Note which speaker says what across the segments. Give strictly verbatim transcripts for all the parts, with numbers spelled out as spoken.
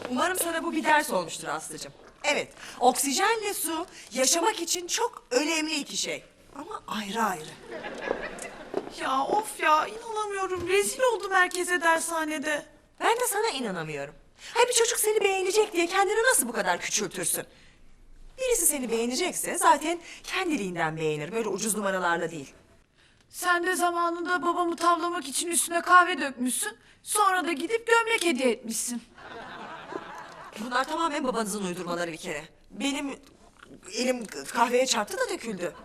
Speaker 1: Umarım sana bu bir ders olmuştur Aslı'cığım. Evet, oksijenle su yaşamak için çok önemli iki şey. Ama ayrı ayrı.
Speaker 2: Ya of ya inanamıyorum. Rezil oldum herkese dershanede.
Speaker 1: Ben de sana inanamıyorum. Hay bir çocuk seni beğenecek diye kendini nasıl bu kadar küçültürsün? Birisi seni beğenecekse zaten kendiliğinden beğenir. Böyle ucuz numaralarla değil.
Speaker 2: Sen de zamanında babamı tavlamak için üstüne kahve dökmüşsün. Sonra da gidip gömlek hediye etmişsin.
Speaker 1: Bunlar tamamen babanızın uydurmaları bir kere. Benim elim kahveye çarptı da döküldü.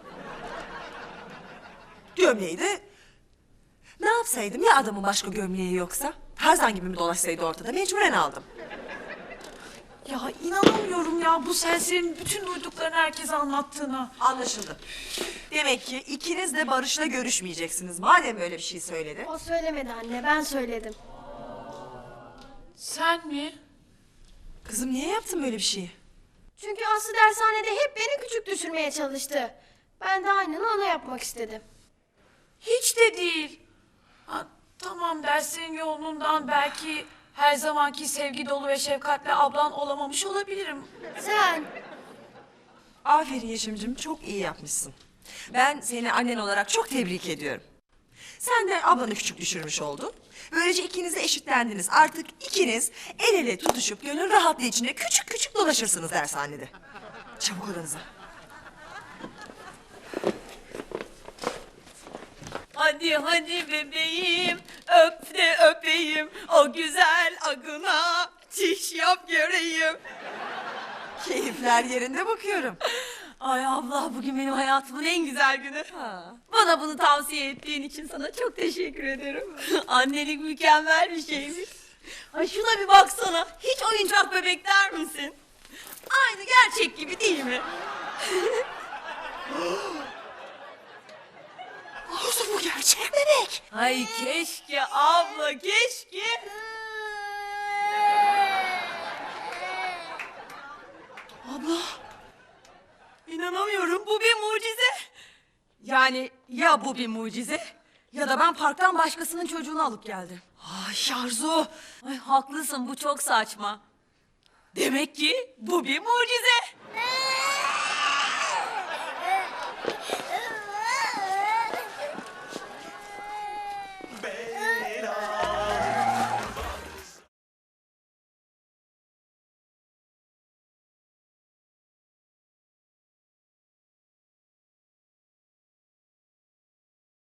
Speaker 1: Gömleği de ne yapsaydım ya adamın başka gömleği yoksa? Tarzan gibi mi dolaşsaydı ortada mecburen aldım.
Speaker 2: Ya inanamıyorum ya bu serserinin bütün duyduklarını herkese anlattığına.
Speaker 1: Anlaşıldı. Demek ki ikiniz de Barış'la görüşmeyeceksiniz. Madem öyle bir şey söyledi.
Speaker 3: O söylemedi anne, ben söyledim.
Speaker 2: Sen mi?
Speaker 1: Kızım niye yaptın böyle bir şeyi?
Speaker 3: Çünkü Aslı dershanede hep beni küçük düşürmeye çalıştı. Ben de aynını ona yapmak istedim.
Speaker 2: Hiç de değil. Ha, tamam derslerin yoğunluğundan belki her zamanki sevgi dolu ve şefkatli ablan olamamış olabilirim.
Speaker 3: Sen,
Speaker 1: Aferin Yeşim'cim, çok iyi yapmışsın. Ben seni annen olarak çok tebrik ediyorum. Sen de ablanı küçük düşürmüş oldun. Böylece ikiniz de eşitlendiniz. Artık ikiniz el ele tutuşup gönül rahatlığı içinde küçük küçük dolaşırsınız dershanede. Çabuk odanıza.
Speaker 4: Hadi hadi bebeğim, öp de öpeyim, o güzel agına çiş yap göreyim.
Speaker 1: Keyifler yerinde bakıyorum.
Speaker 4: Ay abla bugün benim hayatımın en güzel günü. Bana bunu tavsiye ettiğin için sana çok teşekkür ederim. Annelik mükemmel bir şeymiş. Ay şuna bir baksana, hiç oyuncak bebek der misin? Aynı gerçek gibi değil mi?
Speaker 1: Olsun bu gerçek bebek.
Speaker 4: Ay keşke abla, keşke.
Speaker 1: Abla.
Speaker 4: İnanamıyorum, bu bir mucize. Yani ya bu bir mucize ya da ben parktan başkasının çocuğunu alıp geldim.
Speaker 1: Ay Arzu.
Speaker 4: Ay haklısın, bu çok saçma. Demek ki bu bir mucize.